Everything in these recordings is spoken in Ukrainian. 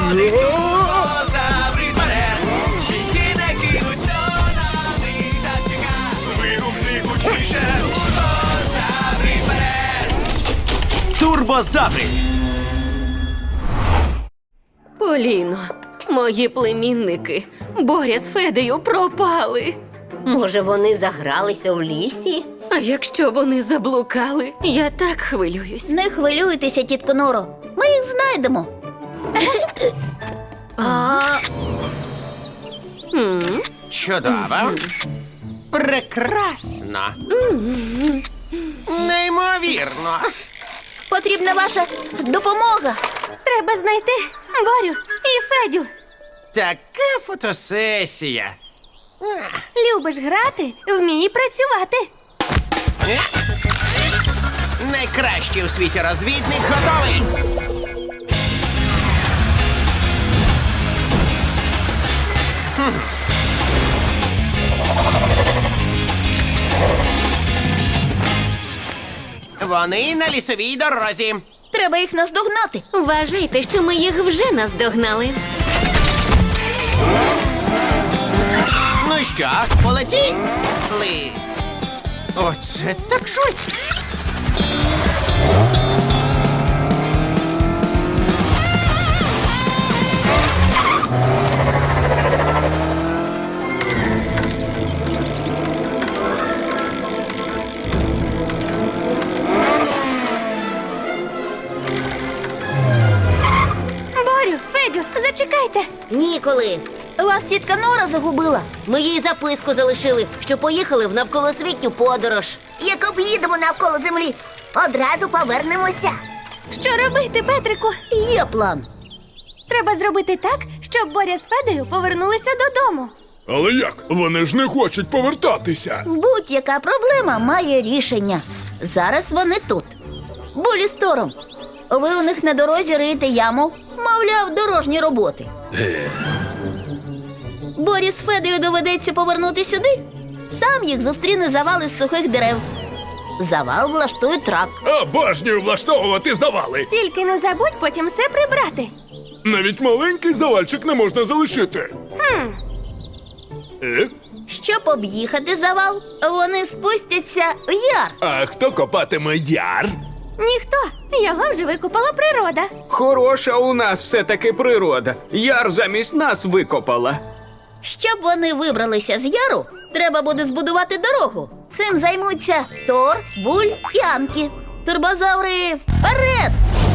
ходить турбозаври вперед. Бійці не кинуть, хто на них так чека. Вигукни гучніше, турбозаври вперед. Турбозаври. Поліно, мої племінники Боря з Федею пропали. Може, вони загралися в лісі? А якщо вони заблукали, я так хвилююсь. Не хвилюйтеся, тітко Норо. Ми їх знайдемо. Чудово. Прекрасно. Неймовірно. Потрібна ваша допомога. Треба знайти Борю і Федю. Така фотосесія. Любиш грати, вмій працювати. Найкращий у світі розвідник готовий. Вони на лісовій дорозі. Треба їх наздогнати. Вважайте, що ми їх вже наздогнали. Ну що, полетіли? Оце так швидко. Борю, Федю, зачекайте. Ніколи. Вас тітка Нора загубила. Ми їй записку залишили, що поїхали в навколосвітню подорож. Як об'їдемо навколо землі, одразу повернемося. Що робити, Петрику? Є план. Треба зробити так, щоб Боря з Федею повернулися додому. Але як? Вони ж не хочуть повертатися. Будь-яка проблема має рішення. Зараз вони тут. Болі з Тором. Ви у них на дорозі риєте яму, мовляв, дорожні роботи. Борі з Федею доведеться повернути сюди. Там їх зустріне завал із сухих дерев. Завал влаштує трак. Обожнюю влаштовувати завали. Тільки не забудь потім все прибрати. Навіть маленький завальчик не можна залишити. Щоб об'їхати завал, вони спустяться в яр. А хто копатиме яр? Ніхто. Його вже викопала природа. Хороша у нас все-таки природа. Яр замість нас викопала. Щоб вони вибралися з яру, треба буде збудувати дорогу. Цим займуться Тор, Буль і Анкі. Турбозаври вперед!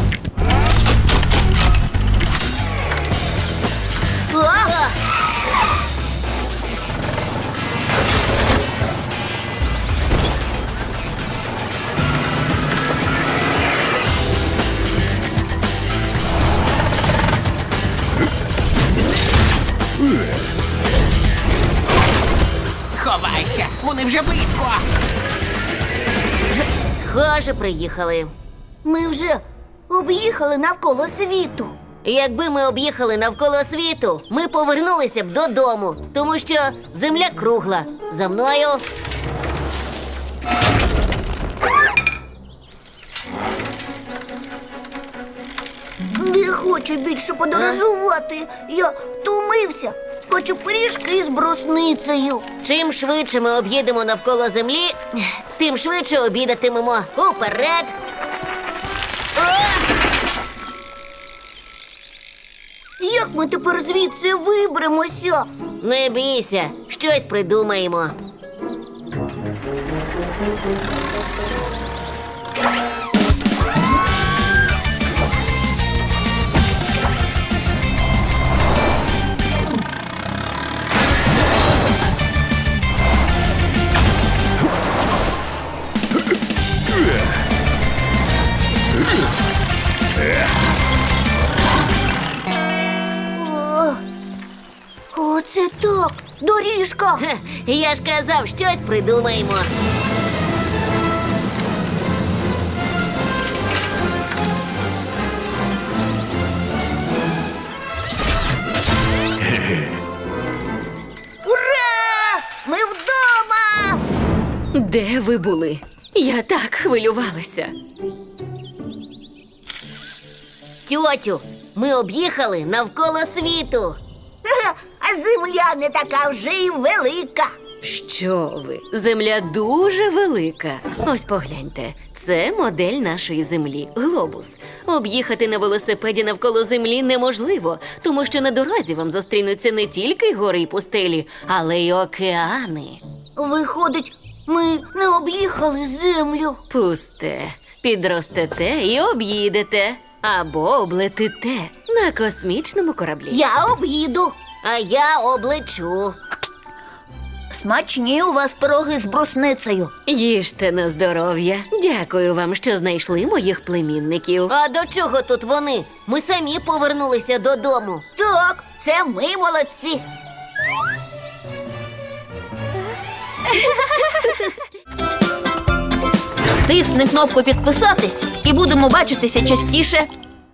Ховайся, вони вже близько. Схоже, приїхали. Ми вже об'їхали навколо світу. Якби ми об'їхали навколо світу, ми повернулися б додому, тому що земля кругла. За мною. Не хочу більше подорожувати. Я втомився. Хочу пиріжки із брусницею. Чим швидше ми об'їдемо навколо землі, тим швидше обідатимемо. Уперед! Як ми тепер звідси виберемося? Не бійся, щось придумаємо. Оце так, доріжка. Хе, я ж казав, щось придумаємо. Ура! Ми вдома! Де ви були? Я так хвилювалася. Тьотю, Ми об'їхали навколо світу. А земля не така вже й велика. Що ви? Земля дуже велика. Ось погляньте. Це модель нашої землі – глобус. Об'їхати на велосипеді навколо землі неможливо, тому що на дорозі вам зустрінуться не тільки гори й пустелі, але й океани. Виходить, ми не об'їхали землю. Пусте. Підростете і об'їдете. Або облетите на космічному кораблі. Я об'їду. А я облечу. Смачні у вас пироги з брусницею. Їжте на здоров'я. Дякую вам, що знайшли моїх племінників. А до чого тут вони? Ми самі повернулися додому. Так, це ми молодці. Тисни кнопку підписатись і будемо бачитися частіше.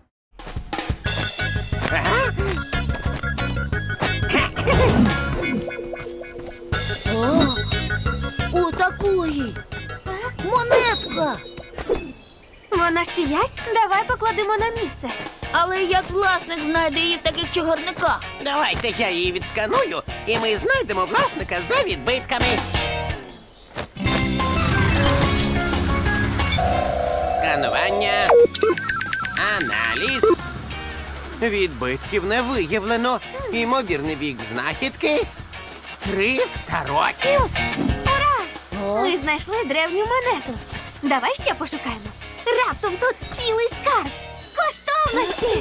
У такої. Монетка. Вона ж чиясь? Давай покладемо на місце. Але як власник знайде її в таких чогарниках? Давайте я її відсканую, і ми знайдемо власника за відбитками. Сканування. Аналіз. Відбитків не виявлено. Імовірний вік знахідки 300 років. Ми знайшли древню монету. Давай ще пошукаємо. Раптом тут цілий скарб. Коштовності!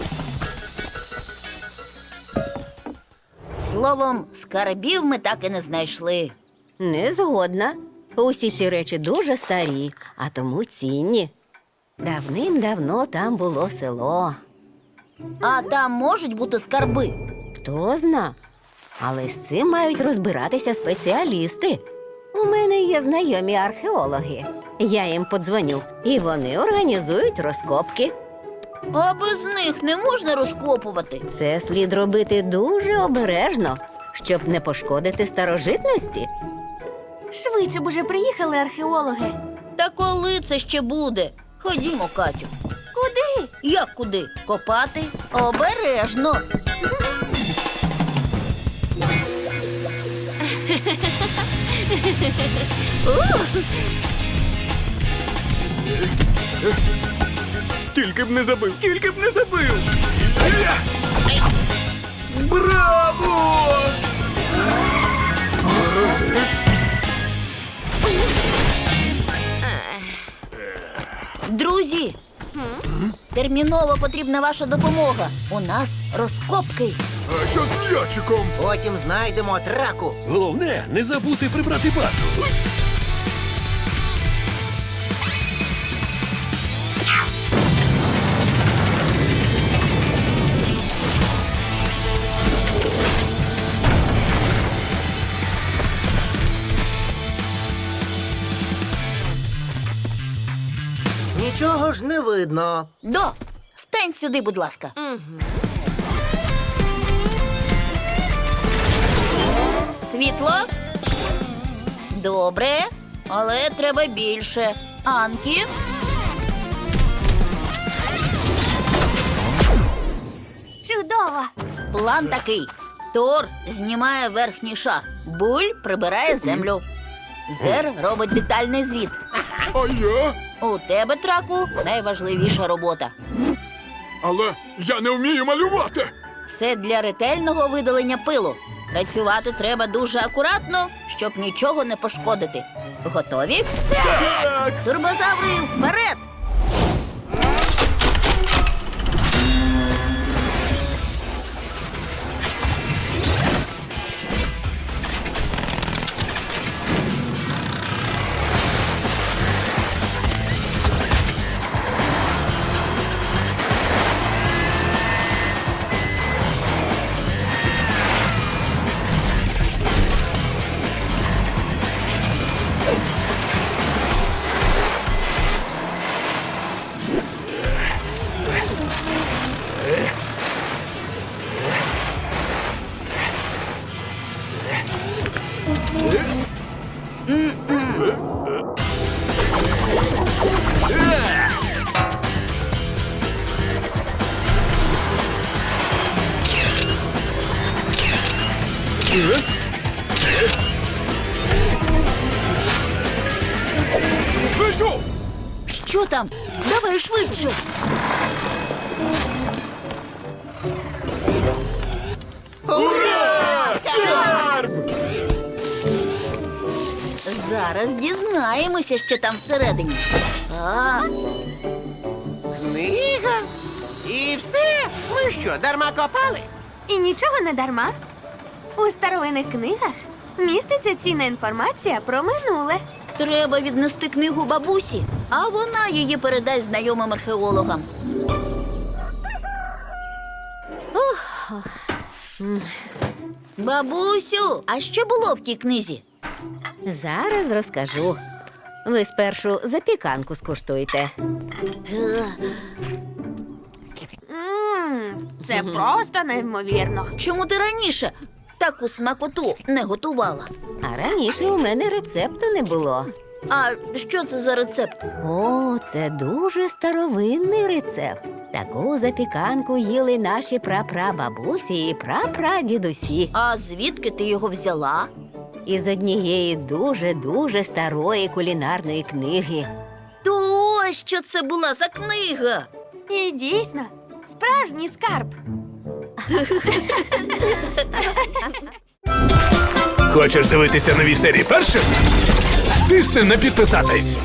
Словом, скарбів ми так і не знайшли. Не згодна. Усі ці речі дуже старі, а тому цінні. Давним-давно там було село. А там можуть бути скарби. Хто зна. Але з цим мають розбиратися спеціалісти. У мене є знайомі археологи. Я їм подзвоню, і вони організують розкопки. А без них не можна розкопувати. Це слід робити дуже обережно, щоб не пошкодити старожитності. Швидше б уже приїхали археологи. Та коли це ще буде? Ходімо, Катю. Куди? Як куди? Копати? Обережно. Тільки б не забив, тільки б не забив. Браво! Друзі, терміново потрібна ваша допомога. У нас розкопки. А що з м'ячиком? Потім знайдемо траку. Головне, не забути прибрати базу. Нічого ж не видно. Стань сюди, будь ласка. Світло? Добре, але треба більше. Анкі? Чудово! План такий. Тор знімає верхній шар. Буль прибирає землю. Зер робить детальний звіт. А я? У тебе, Траку, найважливіша робота. Але я не вмію малювати. Це для ретельного видалення пилу. Працювати треба дуже акуратно, щоб нічого не пошкодити. Готові? Так. Турбозаври, вперед! Що там? Давай швидше. Зараз дізнаємося, що там всередині. Книга. І все. Ми що, дарма копали? І нічого не дарма. У старовинних книгах міститься цінна інформація про минуле. Треба віднести книгу бабусі, а вона її передасть знайомим археологам. Бабусю, а що було в тій книзі? Зараз розкажу. Ви спершу запіканку скуштуйте. Це просто неймовірно. Чому ти раніше таку смакоту не готувала? А раніше у мене рецепту не було. А що це за рецепт? О, це дуже старовинний рецепт. Таку запіканку їли наші прапрабабусі і прапрадідусі. А звідки ти його взяла? Із однієї дуже-дуже старої кулінарної книги. То ось що це була за книга. І дійсно, справжній скарб. Хочеш дивитися нові серії першим? Тисни на підписатись.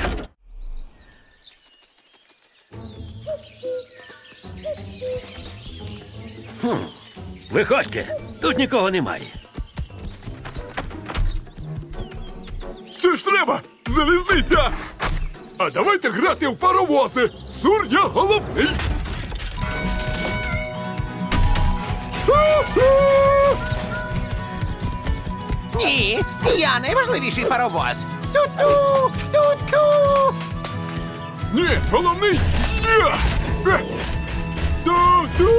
Виходьте, тут нікого немає. Це ж треба! Залізниця! А давайте грати в паровози! Сур, я головний! Ні, я найважливіший паровоз. Ту-ту, ту-ту. Ні, головний! Я! Ту-ту!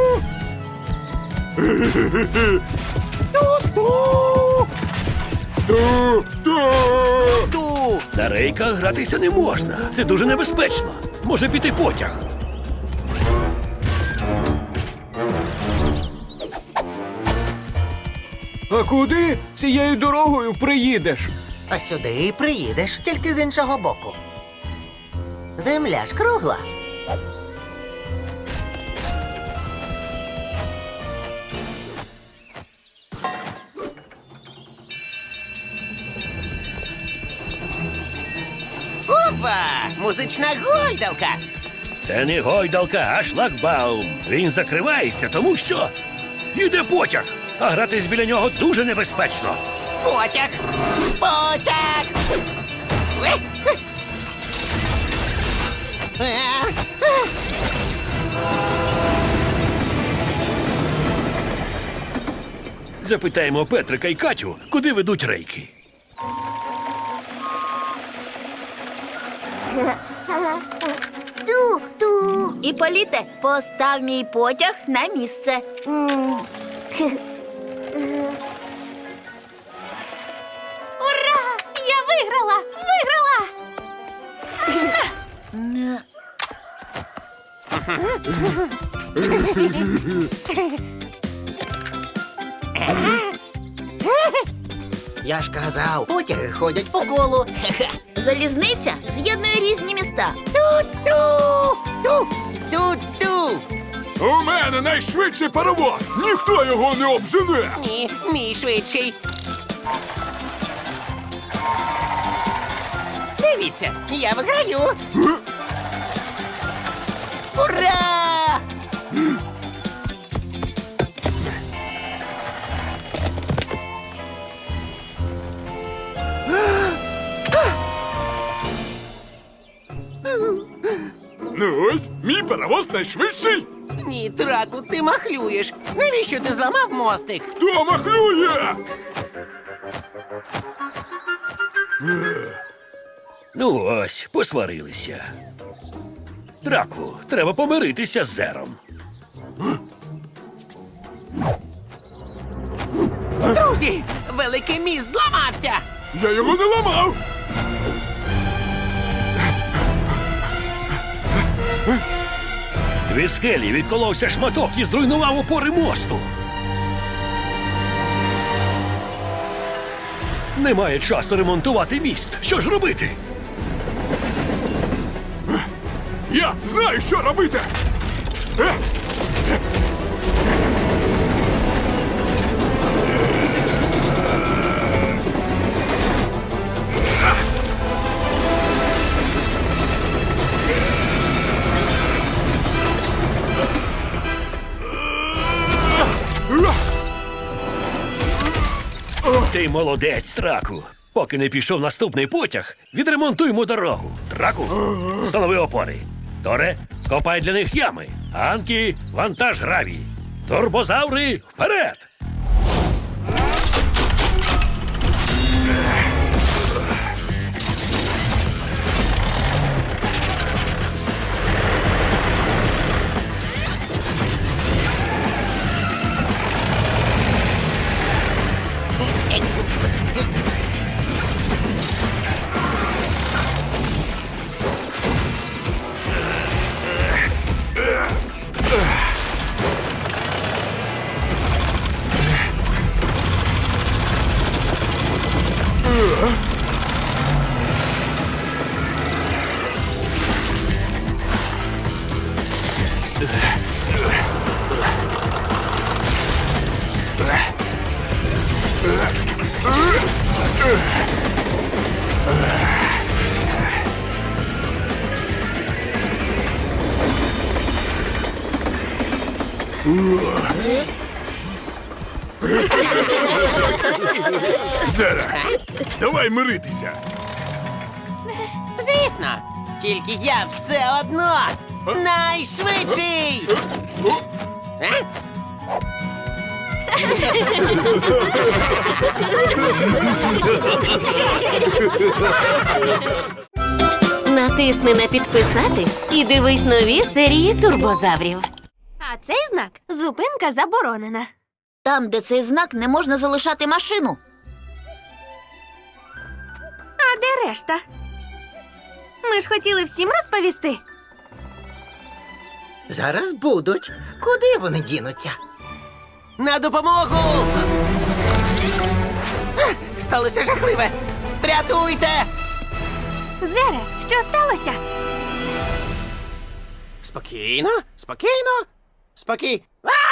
Ту-ту! Ту. На рейках гратися не можна. Це дуже небезпечно. Може піти потяг. А куди цією дорогою приїдеш? А сюди і приїдеш, тільки з іншого боку. Земля ж кругла. Опа! Музична гойдалка. Це не гойдалка, а шлагбаум. Він закривається, тому що йде потяг, а гратись біля нього дуже небезпечно. Потяг. Потяг. Е, е. Е. Запитаємо Петрика і Катю, куди ведуть рейки. Ту-ту. І Політе, постав мій потяг на місце. Ура! Я виграла! Виграла! Я ж казав, потяги ходять по колу. Залізниця з'єднує різні міста. Ту-ту. Ту. Ту-ту. У мене найшвидший паровоз! Ніхто його не обжене! Ні, мій швидший. Дивіться, я виграю. Ура! Ну ось, мій паровоз найшвидший! Ні, Траку, ти махлюєш. Навіщо ти зламав мостик? Хто махлює? Ну ось, посварилися. Драку, треба помиритися з Зером. Друзі, великий міст зламався. Я його не ламав! Від скелі відколовся шматок і зруйнував опори мосту. Немає часу ремонтувати міст. Що ж робити? Я знаю, що робити! Ти молодець, Траку. Поки не пішов наступний потяг, відремонтуймо дорогу. Траку, встанови опори. Торе, копай для них ями. Анкі, вантаж гравій. Турбозаври, вперед! Зере, давай миритися. Звісно, тільки я все одно найшвидший! А? Натисни на підписатись і дивись нові серії турбозаврів. А цей знак зупинка заборонена. Там, де цей знак, не можна залишати машину. А де решта? Ми ж хотіли всім розповісти. Зараз будуть. Куди вони дінуться? На допомогу! Сталося жахливе! Рятуйте! Зере, що сталося? Спокійно, спокійно, спокій.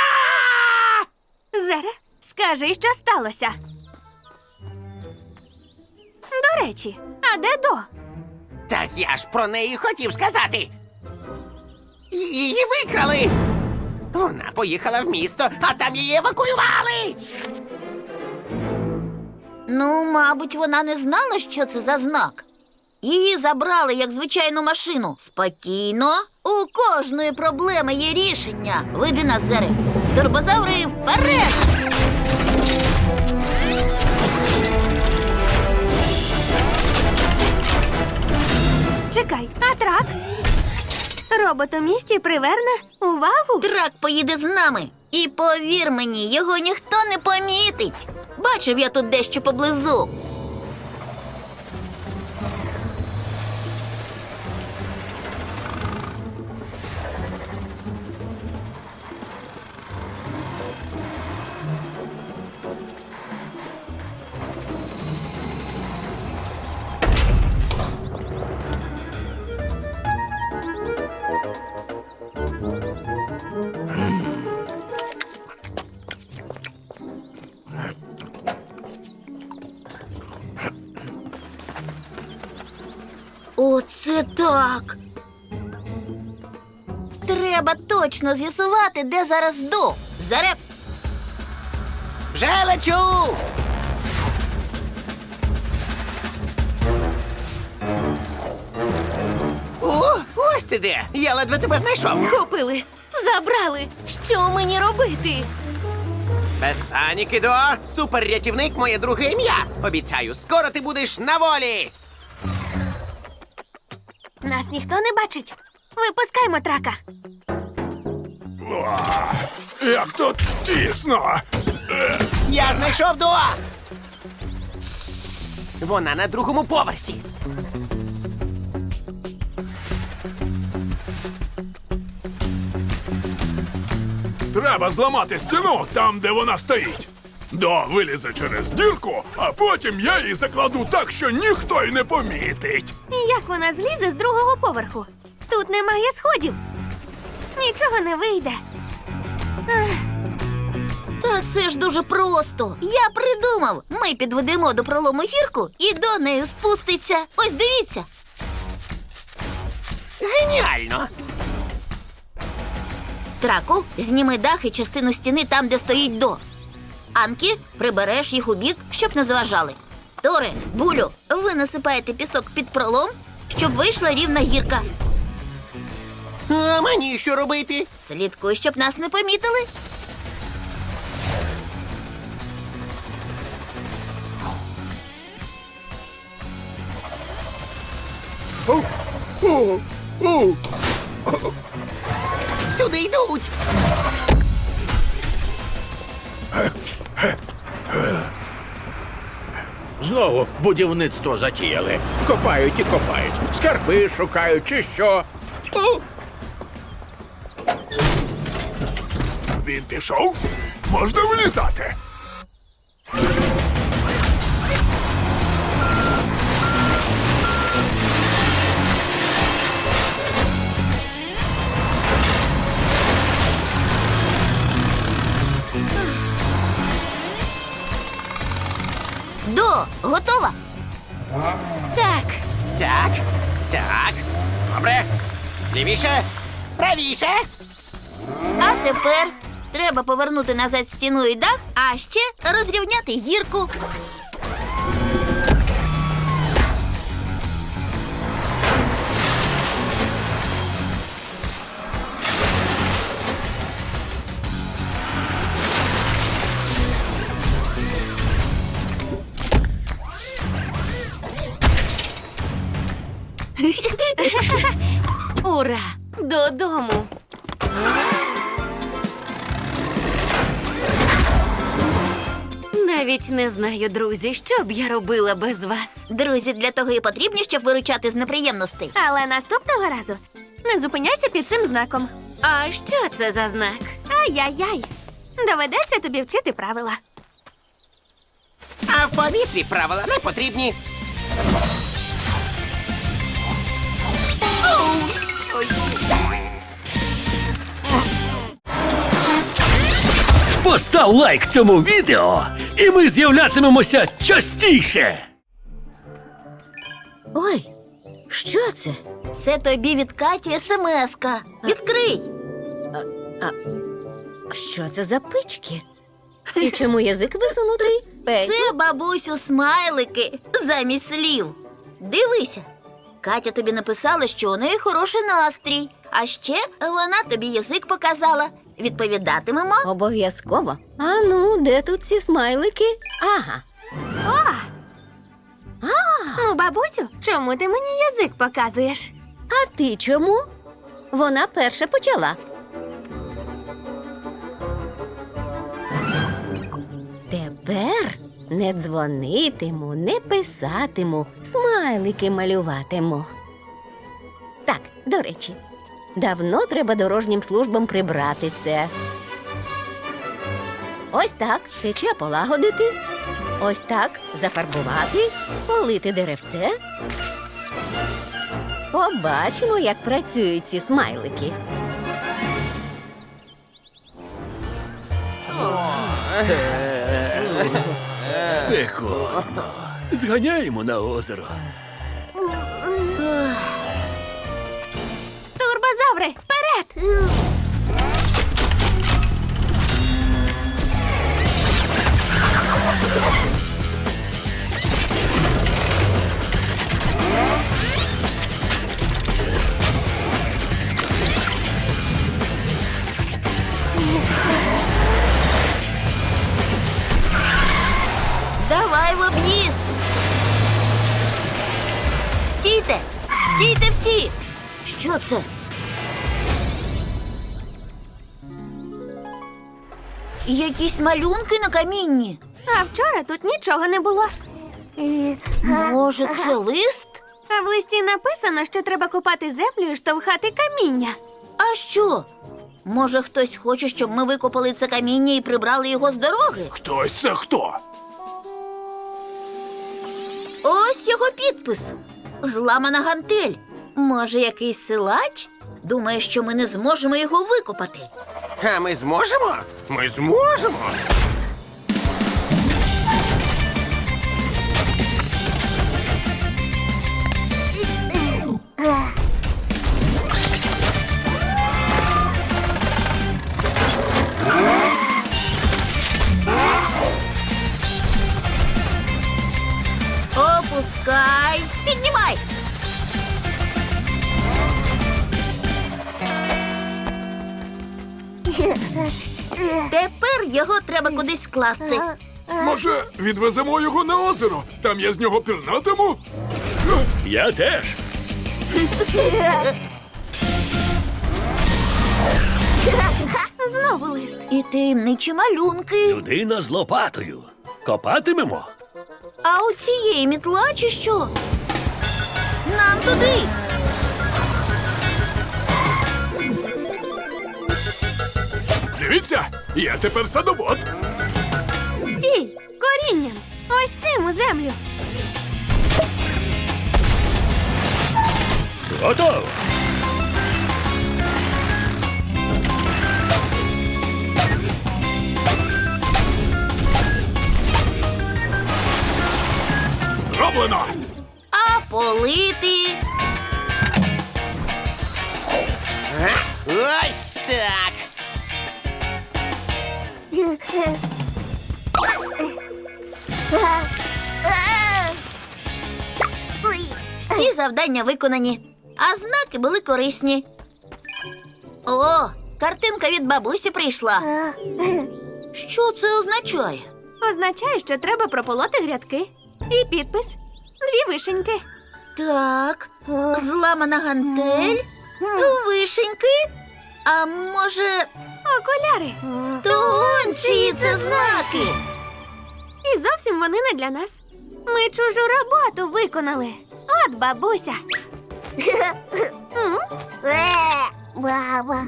Зере, скажи, що сталося. До речі, а де До? Так я ж про неї хотів сказати. Її викрали. Вона поїхала в місто, а там її евакуювали. Ну, мабуть, вона не знала, що це за знак. Її забрали, як звичайну машину. Спокійно. У кожної проблеми є рішення. Вийди на Зере. Турбозаври вперед! Чекай, а трак? Робот у місті приверне увагу? Трак поїде з нами. І повір мені, його ніхто не помітить. Бачив я тут дещо поблизу. Оце так. Треба точно з'ясувати, де зараз До. Заре... Вже лечу! О, ось ти де! Я ледве тебе знайшов. Схопили, забрали. Що мені робити? Без паніки, До. Суперрятівник – моє друге ім'я. Обіцяю, скоро ти будеш на волі. Нас ніхто не бачить. Випускаймо трака. Як тут тісно. Я знайшов До. Вона на другому поверсі. Треба зламати стіну там, де вона стоїть. До вилізе через дірку, а потім я її закладу так, що ніхто й не помітить. Як вона злізе з другого поверху? Тут немає сходів. Нічого не вийде. Та це ж дуже просто. Я придумав. Ми підведемо до пролому гірку і до неї спуститься. Ось дивіться. Геніально! Траку, зніми дах і частину стіни там, де стоїть до. Анкі, прибереш їх у бік, щоб не заважали. Торе, Булю, ви насипаєте пісок під пролом, щоб вийшла рівна гірка. А мені що робити? Слідкуй, щоб нас не помітили. Сюди йдуть! Знову будівництво затіяли. Копають і копають. Скарби шукають чи що. Він пішов? Можна вилізати. До, готова? Так, Так, так. Добре. Лівіше, правіше. А тепер треба повернути назад стіну і дах, а ще розрівняти гірку. ура! Додому! Навіть не знаю, друзі, що б я робила без вас. Друзі, для того і потрібні, щоб виручати з неприємностей. Але наступного разу не зупиняйся під цим знаком. А що це за знак? Ай-яй-яй. Доведеться тобі вчити правила. А в повітрі правила не потрібні. Ой. Постав лайк цьому відео, і ми з'являтимемося частіше. Ой, що це? Це тобі від Каті смс-ка. Відкрий. Що це за пички? І чому язик висунутий? Петю? Це, бабусю, смайлики замість слів. Дивися. Катя тобі написала, що у неї хороший настрій. А ще вона тобі язик показала. Відповідатимемо. Обов'язково. А ну, де тут ці смайлики? Ага. Ну, бабусю, чому ти мені язик показуєш? А ти чому? Вона перша почала. Тепер не дзвонитиму, не писатиму, смайлики малюватиму. Так, до речі, давно треба дорожнім службам прибрати це. Ось так тече полагодити. Ось так зафарбувати, полити деревце. Побачимо, як працюють ці смайлики. Спекотно. Зганяємо на озеро. Турбозаври, вперед! Давай в об'їзд. Стійте! Стійте всі! Що це? Якісь малюнки на камінні. А вчора тут нічого не було. Може, це лист? А в листі написано, що треба копати землю і штовхати каміння. А що? Може, хтось хоче, щоб ми викопали це каміння і прибрали його з дороги? Хтось це хто? Ось його підпис. Зламана гантель. Може, якийсь силач? Думає, що ми не зможемо його викопати. А ми зможемо? Ми зможемо. Опускай. Піднімай. Тепер його треба кудись скласти. Може, відвеземо його на озеро? Там я з нього пірнатиму? Я теж. Знову лист. І таємничі малюнки. Людина з лопатою. Копатимемо? А у цієї мітла чи що? Нам туди. Дивіться, я тепер садовод. Стій! Корінням! Ось цим у землю! Готово. Зроблено! А полити. Ось так. Всі завдання виконані, а знаки були корисні. О, картинка від бабусі прийшла. Що це означає? Означає, що треба прополоти грядки. І підпис. 2 вишеньки. Так, зламана гантель, вишеньки, а може, Окуляри. то он чиї це знаки? І зовсім вони не для нас. Ми чужу роботу виконали. От бабуся. М? Баба.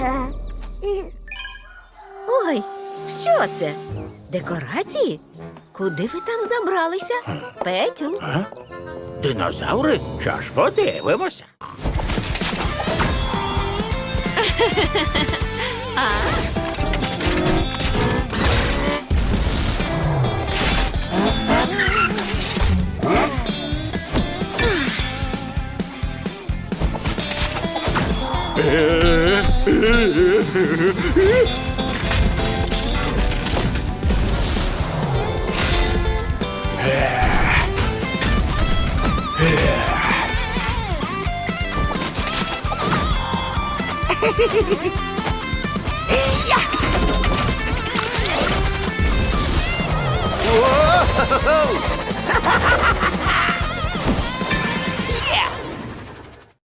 Ой, що це? Декорації? Куди ви там забралися? Петю? Динозаври? Що ж, подивимося.